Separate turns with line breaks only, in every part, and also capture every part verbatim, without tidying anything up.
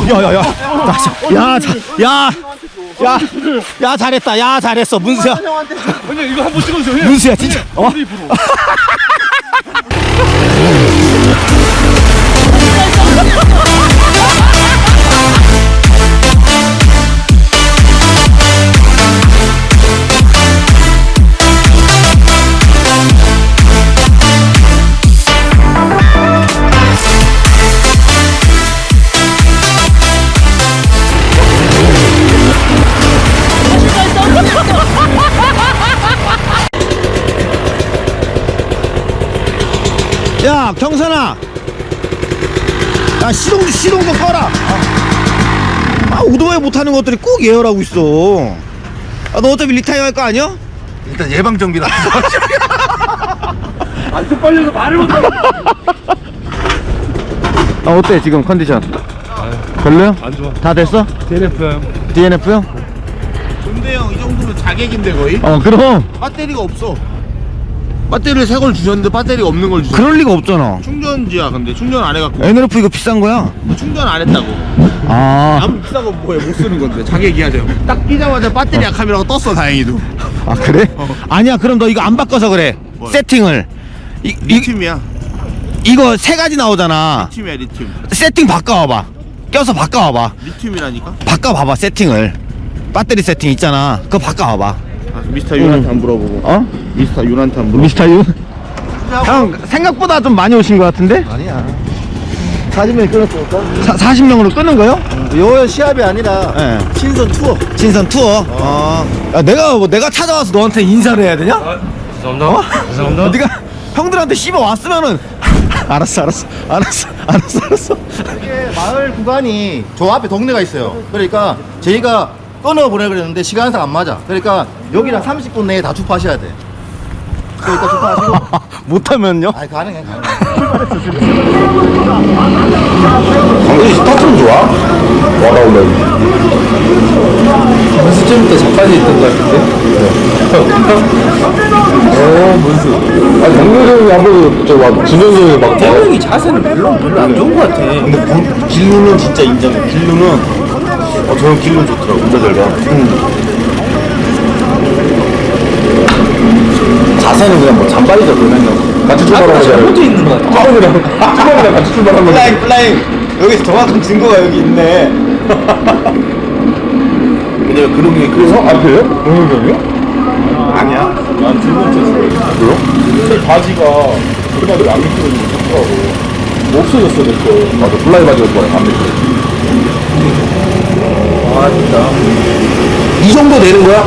야야야 야, 자, 야, 야, 야 잘했다. 야 잘했어 문수야.
형님 이거 한번 찍어주세요.
문수야 진짜. 어? 야 경선아, 야 시동 시동 좀 꺼라. 아 오토바이 못하는 것들이 꼭 예열하고 있어. 아, 너 어차피 리타이어 할 거 아니야?
일단 예방 정비라.
안쪽 빨려서 말을 못하고.
아 어때 지금 컨디션? 별로요?
안 좋아.
다 됐어?
디엔에프요.
디엔에프요?
근데 형 이 정도면 자객인데 거의?
어 그럼
배터리가 없어. 배터리를 새 걸 주셨는데 배터리가 없는 걸 주셨어.
그럴 리가 없잖아.
충전지야. 근데 충전 안 해갖고
엔엘에프 이거 비싼 거야.
충전 안 했다고.
아,
아무 비싼 거 뭐해 못 쓰는 건데 자객이야 저. 딱 끼자마자 배터리 약함이라고 떴어 다행히도.
아 그래?
어.
아니야 그럼 너 이거 안 바꿔서 그래.
뭘?
세팅을 이, 이,
리튬이야.
이거 세 가지 나오잖아.
리튬이야 리튬.
세팅 바꿔와봐. 껴서 바꿔와봐.
리튬이라니까?
바꿔봐봐 세팅을. 배터리 세팅 있잖아. 그거 바꿔와봐.
아, 미스터 윤한테 안 물어보고.
어?
미스터 윤한테 안 물어보고.
미스터 유? 형 생각보다 좀 많이 오신 것 같은데?
아니야. 사십 명이 끊었을까?
사, 사십 명으로 끄는 거요?
요 시합이 아니라
예. 네.
신선 투어.
진선 투어. 어. 야, 내가 뭐 내가 찾아와서 너한테 인사를 해야 되냐?
죄송합니다.
어?
죄송합니다.
네가 형들한테 씹어 왔으면은 알았어, 알았어, 알았어, 알았어, 알았어.
이게 마을 구간이 저 앞에 동네가 있어요. 그러니까 저희가 끊어 보내 그랬는데 시간상 안 맞아. 그러니까 여기랑 삼십 분 내에 다 주파하셔야 돼. 그러니까 주파하시고.
못하면요?
아니 가능해 가능해.
당연히 스타트는 좋아. 와라 올라.
문수쯤부터 자빠져 있던 것 같은데? 어, 문수.
아니 정교정이 한번 저막 준영이 막
태형이 자세는 별로 별로 안 좋은 것 같아.
근데 본- 길루는 진짜 인정해. 길루는 어 저는 길루 좋더라고. 운전 잘 봐. 자세는 그냥 뭐 잔발이죠 그러면.
같이
아,
출발하는
잘못돼 있는 것 같아.
투범이랑 투범이랑 같이 출발하는 거.
플라잉 플라잉. 여기 정확한 증거가 여기 있네.
왜냐면 그런 게
그래서 앞에요? 동영경이요?
아니야.
난 질문 쳤어요. 그래요? 근데 바지가 그날이 안 미끄러지는 거 좋더라고. 뭐 없어졌어 내 거. 맞아 플라이 바지가 좋아요 안 미끄러져.
아 진짜. 이 정도 되는 거야?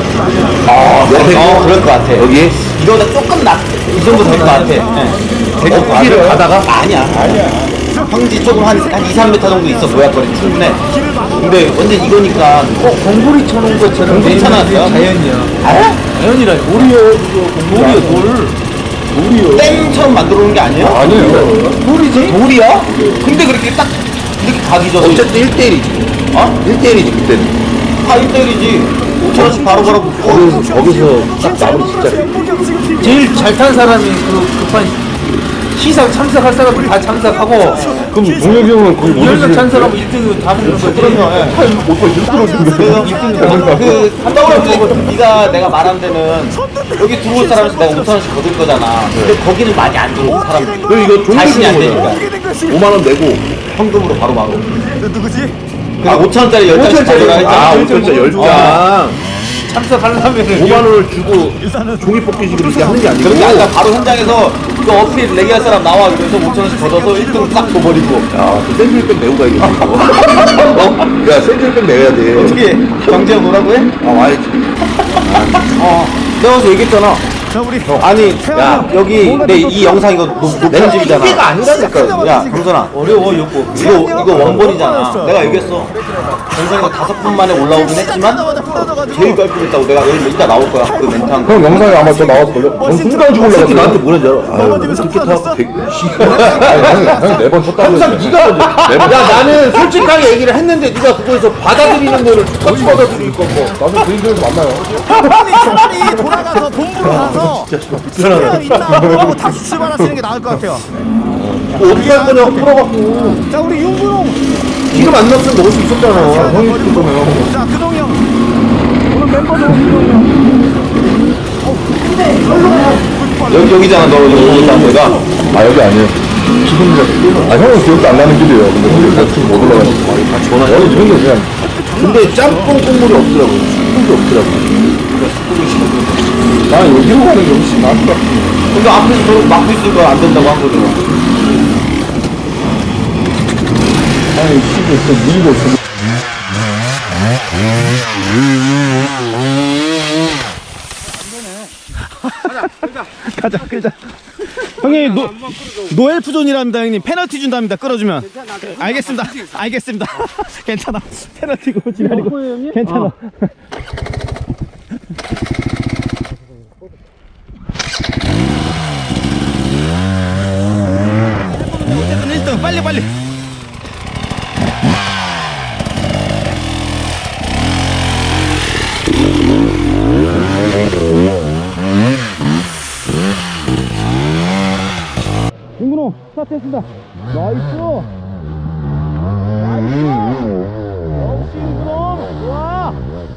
아, 네, 어, 그럴 것 같아. 여기 이거보다 조금 낮. 이 정도 될 것 같아. 네. 될것 같아.
어필을
가다가 아니야. 아니야. 평지 조금 한, 한 이, 삼 미터 정도 있어. 모양거리 충분해. 근데 완전 이거니까
어, 공구리 쳐놓은 것처럼
괜찮았어요?
자연이야.
아?
자연이라
돌이요 그거
돌이야 돌.
돌이요.
땡처럼 만들어 놓은 게 아니에요?
아니에요.
돌이지? 돌이야? 근데 그렇게 딱 이렇게 각이 져서
어쨌든 일 대 일이지.
어?
일 대 일이지 그때는.
다 일 대 일이지. 오천 원씩 바로바로
거기서 거기서 딱 마무리 진짜.
제일 잘 탄 사람이 그 급한 시상 참석할 사람들 다 참석하고
그럼 동혁이 형은 거기 못
열 명
오시는
찬성하면 일 등 다 먹는 거지.
그럼요. 예.
오빠 일 들어오시는
그 한다고 네가 내가 말한 데는 여기 들어올 사람에서 내가 오천 원씩 거둘 거잖아. 근데 거기는 많이 안 들어오는 사람들.
그리고 이거 종이
자신이 안
쓰는
되니까.
거잖아. 오만 원 내고
현금으로 바로 바로. 아 오천 원짜리 열 장씩
오천 원짜리
가져가.
아 오천 원짜리 열 장.
참석하려면은
오만 원을 주고 종이 뽑기식으로 이렇게 하는 게 아니고.
그런 게 아니라 바로 현장에서 그 어필 내기할 사람 나와 그래서 오천 원씩 걷어서 일 등 싹 줘버리고.
야, 그 샌드위치백 내고 가야겠네. 이거. 야, 샌드위치백 내야 돼.
어떻게 경제가 뭐라고 해?
아, 와야지.
어. 내가 어제 얘기했잖아. 아니, 야, 여기 내 이 영상 이거 내 집이잖아.
이게가 아니라니까.
야, 경선아. 어려워, 이거. 이거, 이거 원본이잖아. 내가 얘기했어. 경선이가 다섯 분 만에 올라오긴 했지만, 제일 깔끔했다고. 내가 여기 이따 나올 거야. 그 멘트.
형 영상에 아마 저 나왔을걸요? 넌 순간 죽을래
새끼 나한테 뭐라는 줄 알아? 아유, 어떻게 타고 백,
형이 네번 쳤다고
항상 네가 먼저. 야, 나는 솔직하게 얘기를 했는데 네가 그거에서 받아들이는 거를 똑같이 받아들이니까 뭐.
나중에 그인들에서 만나요.
빨리 빨리 돌아가서 본부로 가서 스페어 있다고 하고 다시 출발하시는 게 나을 것 같아요.
뭐 어떻게 할 거냐고 물어봤고.
자 우리 윤근홍
기름 안 넣었으면 먹을 수 있었잖아.
형이 시킬 거면.
자, 그동이 형. 오늘 멤버도 그동이 형.
여기, 여기잖아, 너 여기 있다, 내가. 아, 여기 아니에요. 지금, 아, 형은 기억도 안 나는 길이에요. 근데 우리 같이 못 올라가니까. 같이 전화. 여기 저기 그냥.
근데 짬뽕 국물이 없더라고. 국물이 없더라고.
나는 여기로 가는 게 훨씬 나을 것 같아.
근데 앞에서 저렇게 막고 있을 거야. 안 된다고 한 거잖아.
아니, 씨발, 또 밀고 있어.
가자, 끌자. 형님, 노, 노엘프 존이랍니다, 형님. 페널티 준답니다, 끌어주면. 알겠습니다. 알겠습니다. 괜찮아. 페널티고, 지랄이고. 괜찮아. 어쨌든 일 등, 빨리, 빨리. 윤근호 스타트했습니다. 나이스. 나이스. 역시 윤근호 좋아.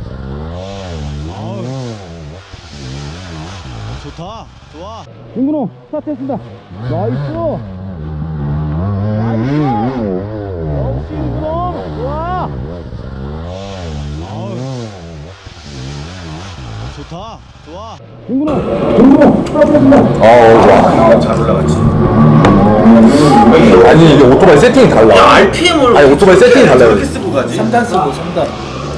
아우. 좋다. 좋아. 윤근호 스타트했습니다. 나이스. 나이스. 역시 윤근호 좋아. 아우. 좋다. 좋아. 윤근호.
아, 와. 잘 올라갔지. 아니, 이게 오토바이 세팅이 달라. 야, 알피엠을. 아니, 오토바이 세팅이 달라요.
이렇게 쓰고 가지.
삼 단 쓰고 삼 단.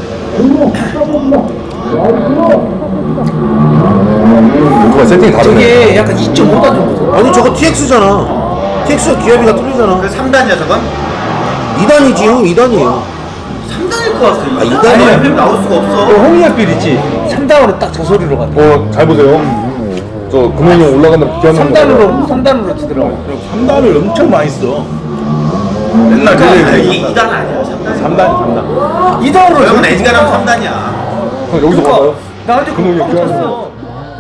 오토바이 세팅이 다르네.
이게 약간 이 점 오 단 정도.
아니 저거 티엑스잖아. 티엑스가 기압이가 틀리잖아.
그 삼 단이야 저건?
이 단이지 형. 이 단이에요.
삼 단일 것 같아.
아, 이
이
단이야.
단이 나올 수가 없어.
홍익필 있지. 삼 단으로 딱 저 소리로 간다.
어, 잘 보세요. 저 금원이 형 올라간다 기합
삼 단으로 삼 단으로 치더라고.
삼 단을 엄청 많이 써. 맨날 그래. 이 단 아니야. 삼 단.
삼 단, 삼 단.
이 단으로
형은 에지가 나면 삼 단이야.
형, 여기서 봐봐요.
나한테
금원이 형
꽉
기합.
찼어.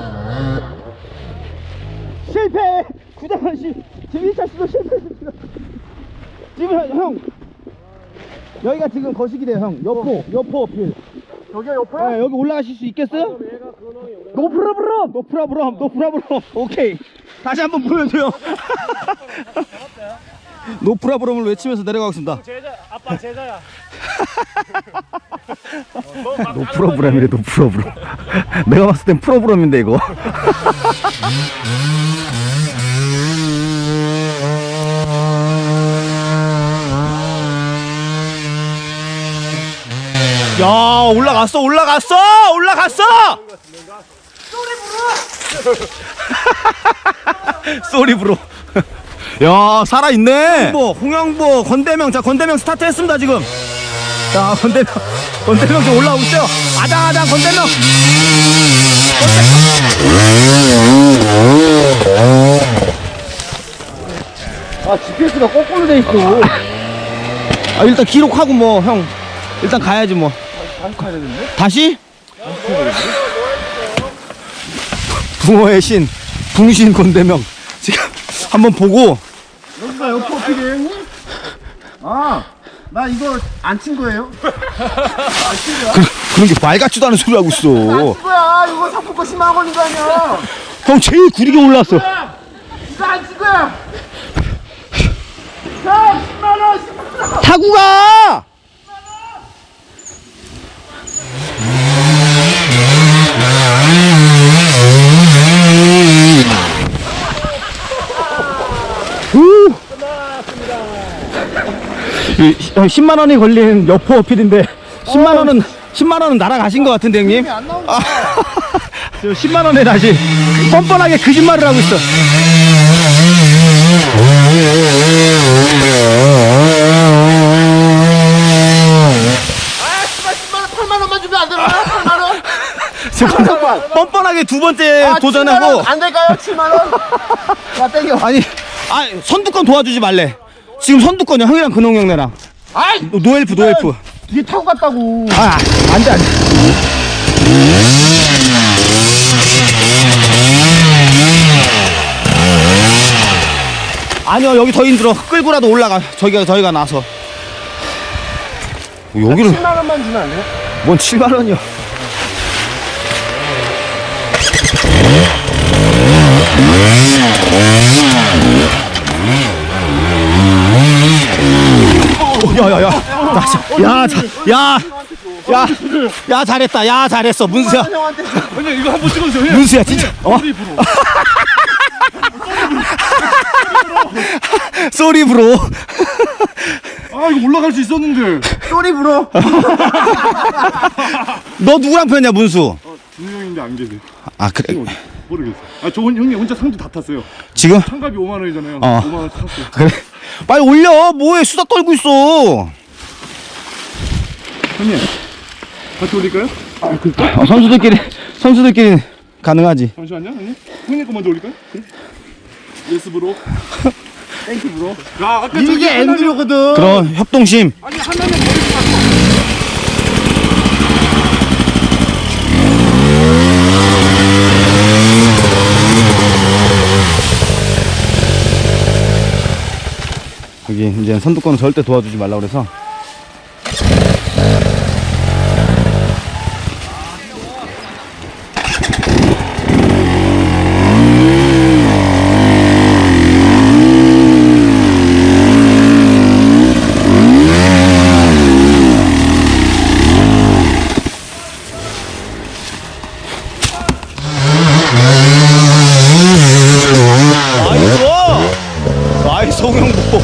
실패! 구장원 씨, 지금 일 차 시도 실패했습니다. 지금 형, 형, 여기가 지금 거시기래요, 형. 여포, 여포 어필. 여기가 여포? 네, 여기 올라가실 수 있겠어요? 노프라브럼! 노프라브럼, 노프라브럼. 오케이. 다시 한번 보여줘요. 노프라브럼을 외치면서 내려가겠습니다. 제자, 아빠 제자야. 노프라브럼이래, 노프라브럼. 내가 봤을 땐 프로브럼인데, 이거. 야, 올라갔어, 올라갔어, 올라갔어. 쏘리 브로. 야, 살아있네. 홍영보, 홍영보, 건대명. 자, 건대명 스타트했습니다 지금. 자, 건대명, 건대명 지금 올라오고 있어요. 아장아장 건대명.
아 지피에스가 거꾸로 돼 있어.
아, 일단 기록하고 뭐 형 일단 가야지 뭐.
다시 가야 되는데?
다시? 붕어의 신, 붕신 건대명 지금 한번 보고.
여기가 옆에 어필이에요 형님? 아, 나 이거 안 친 거예요?
그, 그런 게 말 같지도 않은 소리 하고 있어.
뭐야 이거 상품권 십만 원인 거 아니야?
형 제일 구리게 올랐어.
이거 안 친 거야? 자, 십만 원, 십만 원.
타고 가. 우. 이, 형 십만 원이 걸린 여포 어필인데 십만 원은 십만 원은 날아가신 것 같은데 형님. 아, 저 십만 원에 다시 뻔뻔하게 거짓말을 하고 있어.
팔만 원만 주면 안 되나? 팔만 원?
잠깐만. 뻔뻔하게 두 번째
아,
도전하고.
칠만 원 안 될까요? 칠만 원? 자, 땡겨.
아니, 아 선두권 도와주지 말래. 지금 선두권이야. 형이랑 근홍 형네랑.
아이,
노엘프, 노엘프.
뒤에 타고 갔다고.
아, 안 돼, 안 돼. 아니요, 여기 더 힘들어. 끌고라도 올라가. 저기가, 저희가 나서. 여기를
칠만 원만 주면 안 돼요?
뭔 칠만 원이야. 야야야, 야, 자, 야, 야, 야, 잘했다. 야, 잘했어, 문수야.
형님 이거 한번 찍어주세요. 형님.
문수야, 진짜. 어? 쏘리 브로.
아 이거 올라갈 수 있었는데.
쏘리 브로. 너 누구랑 폈냐, 문수?
두 명인데 안 계세요.
아, 그래.
모르겠어요. 아 저 형님 혼자 상주 다 탔어요.
지금?
참가비 오만 원이잖아요.
어.
오만 원 탔어요.
그래. 빨리 올려. 뭐해, 수다 떨고 있어.
형님 같이 올릴까요? 아, 그,
어, 선수들끼리, 선수들끼리 가능하지.
잠시만요 형님. 형님 거 먼저 올릴까요? 네. 예스 브로. 땡큐 브로. 야 아까 저기
이게 엠드로거든.
그럼 협동심.
아니 하나는 머리 좀
여기 이제 선두권은 절대 도와주지 말라고 그래서. 나이스! 나이스 송영보.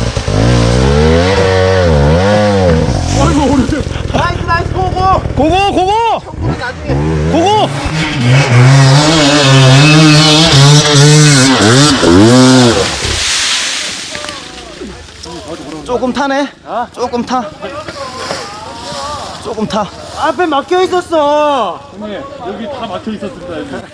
나이스 나이스 고고.
고고 고고 고고. 조금 타네. 조금 타. 조금 타.
앞에 막혀 있었어.
형님 여기 다 막혀 있었습니다. 여기.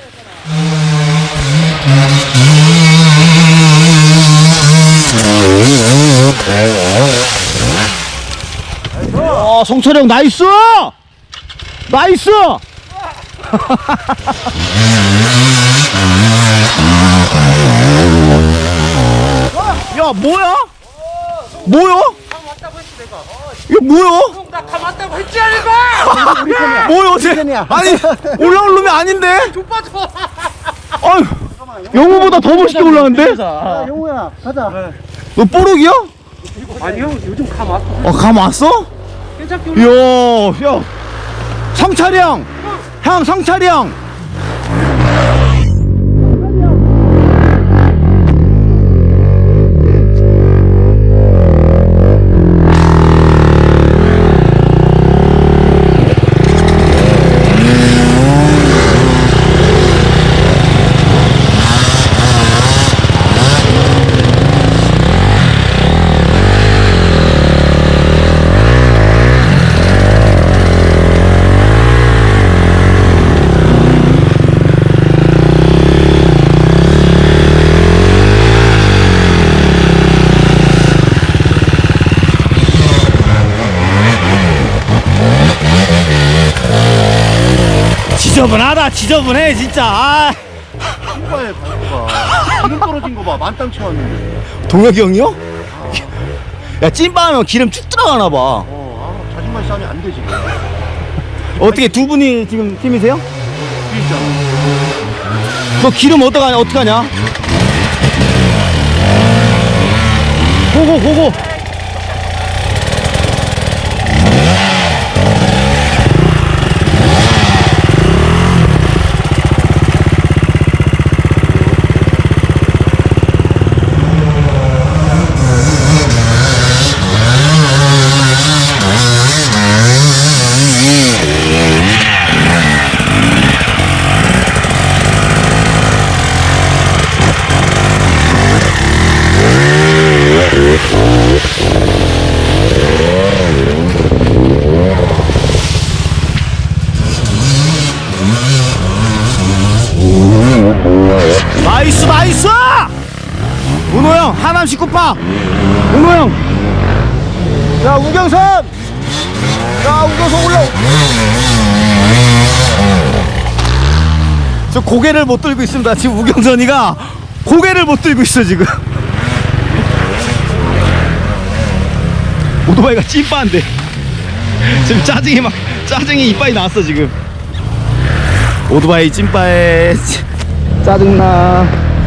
어, 송철형 나이스! 나이스! 야, 뭐야? 뭐야? 이거 뭐야?
다 맞다고 했지 아니까.
뭐야, 쟤? 아니, 올라올 놈이 아닌데?
족빠져.
아유, 영우보다 더 멋있게 올라왔는데?
야, 영우야 가자.
너 뽀록이야?
아니 형 요즘 감 왔어.
어, 감 왔어?
괜찮게
이야, 야, 성철이 형! 형, 성철이 형! 지저분하다, 지저분해, 진짜. 아.
신발 밟고가 기름 떨어진 거 봐. 만땅 채웠는데.
동혁이 형이요? 야, 찐빵하면 기름 쭉 들어가나봐.
어, 아, 자신만 싸면 안 되지.
어떻게 두 분이 지금 팀이세요?
진짜.
너 기름 어떡하냐, 어떡하냐? 고고, 고고. 나이스, 나이스! 은호 형, 하남 십구 파! 은호 형! 야, 우경선! 야, 우경선 올라! 저 고개를 못 들고 있습니다. 지금 우경선이가 고개를 못 들고 있어, 지금. 오토바이가 찐빠인데. 지금 짜증이 막 짜증이 이빨이 나왔어 지금. 오토바이 찐빠에 짜증나.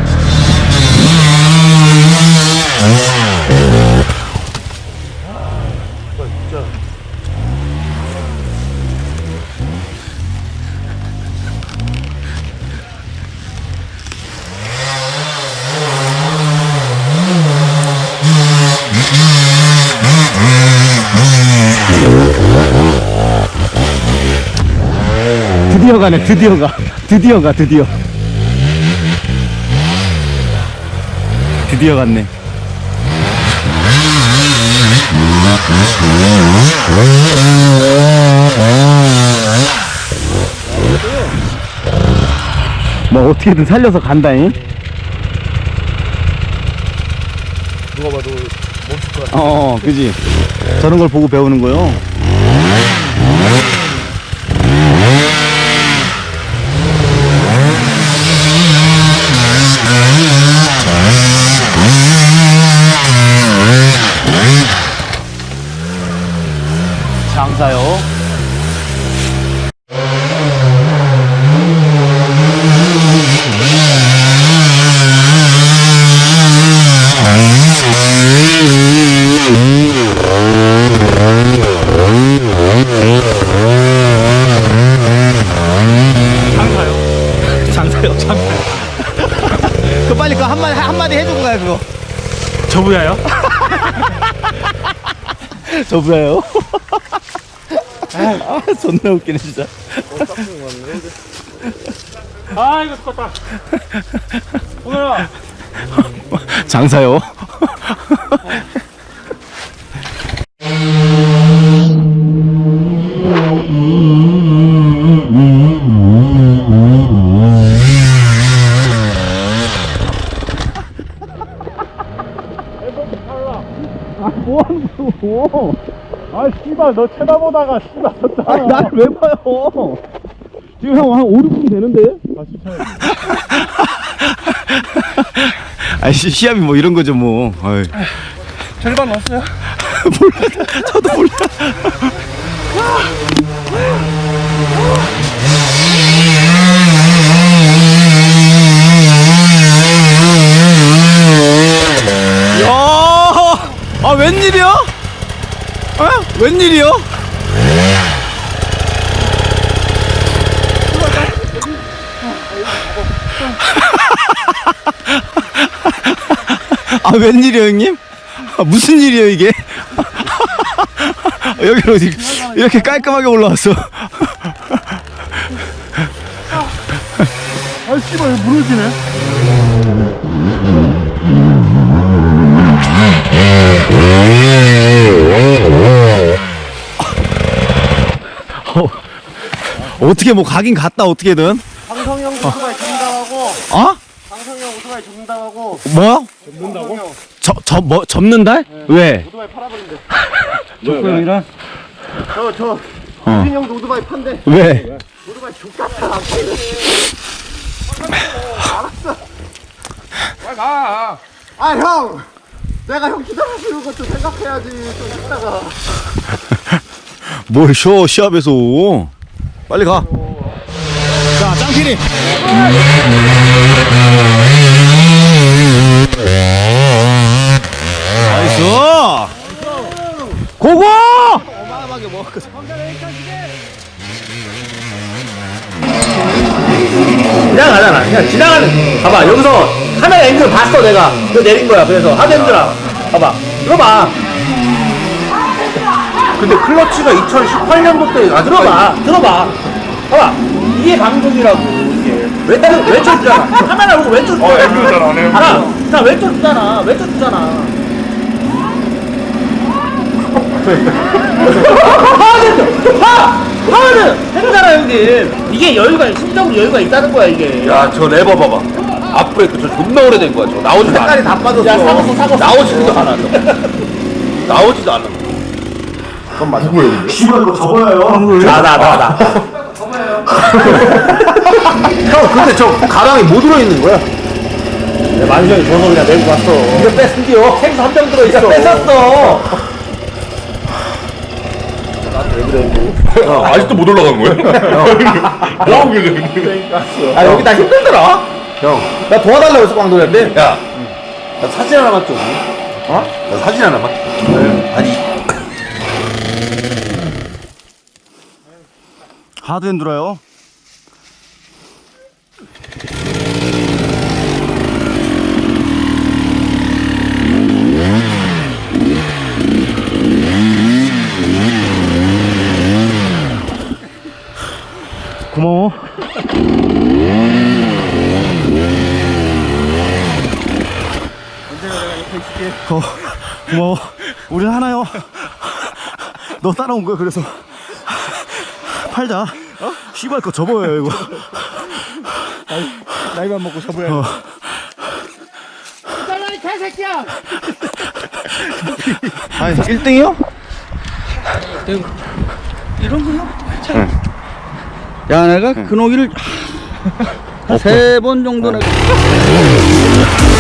드디어 가네. 드디어 가. 드디어 가. 드디어. 드디어 갔네. 뭐 어떻게든 살려서 간다잉. 누가 봐도 멈출 것 같아. 어, 그지. 저런 걸 보고 배우는 거요. 장사요. 장사요. 장사요. 장사요. 그 빨리 그 한마디 한마디 해주고 가요 그거.
저부야요?
저부야요? 아, 존나 웃기네 진짜.
아 이거 죽었다. 오늘아.
장사요. 아, 뭐하는 거야?
아 씨발 너 쳐다보다가 씨발 졌다.
아니 나를 왜 봐요? 지금 형 한 오, 육 분 되는데? 아니 시- 시합이 뭐 이런 거죠 뭐. 어이.
절반 넣었어요?
몰라. 저도 몰라. 야, 아 웬일이야? 어? 웬일이야? 아 웬일이야 형님? 아, 무슨 일이야 이게? 여기로 어디 이렇게 깔끔하게 올라왔어.
아 씨발 이거 무너지네.
어, 어떻게 뭐 가긴 갔다 어떻게든.
방성형 오토바이 전담하고
어?
방성형 오토바이 전담하고
뭐야? 접는다고? 저, 뭐, 접는다? 왜?
오토바이 팔아버린대.
족구형이랑?
저저
어.
유진 형도 오토바이 판대.
왜?
오토바이 족같아 안 팔래. 알았어.
빨리 가.
아 형, 내가 형 기다려주는 것도 생각해야지. 좀 이따가.
뭘 쉬어, 시합에서. 빨리 가. 자, 짱피리. 나이스. 고고! 어마어마하게 먹었거든.
그냥 가잖아. 그냥 지나가는. 봐봐, 여기서 카메라 앵글 봤어, 내가. 그거 내린 거야. 그래서 하드 힘들어. 봐봐. 들어봐. 근데 클러치가 이천십팔 년도 때, 아, 들어봐. 들어봐. 봐봐. 이게 방송이라고, 이게. 왼쪽, 왼쪽 주잖아. 카메라 보고 왼쪽 주잖아.
어 앵글 잘하네.
자, 자, 왼쪽 주잖아. 왼쪽 주잖아. 화는! 화! 화는! 행사라, 형님. 이게 여유가, 심적으로 여유가 있다는 거야, 이게. 야, 저 레버 봐봐. 앞브레이크 저 존나 오래된 거야, 저. 나오지도 않아. 색깔이 다 빠졌어. 야, 사갔어, 사갔어. 나오지도 않아, 저. 나오지도 않아.
그건 맞아. 누구예요?
씨발, 이거 접어요.
나, 나, 나, 나. 형, 근데 저 가방에 뭐 들어있는 거야? 내 만수형이 줘서 그냥 내고 갔어. 이거 뺐는데요? 생수 한 병 들어있어. 뺏었어. 나한테 왜 그래?
아, 아직도 못 올라간 거예요? 뭐 하고 계세요?
아 여기 나 힘들더라. 형, 나 도와달라고 해서 광돌이한테. 야, 나 사진 하나만 좀. 어? 나 사진 하나만. 아니.
하드 엔두라요. 고마워. 어, 고마워. 우린 하나요. 너 따라온 거야, 그래서. 팔자. 어? 씨발 거 접어요, 이거.
나이만 먹고 접어야
어.
잘라 이 개새끼야.
아니, 일 등이요?
이런 거요? 야 내가 그 노기를 세 번 정도 내가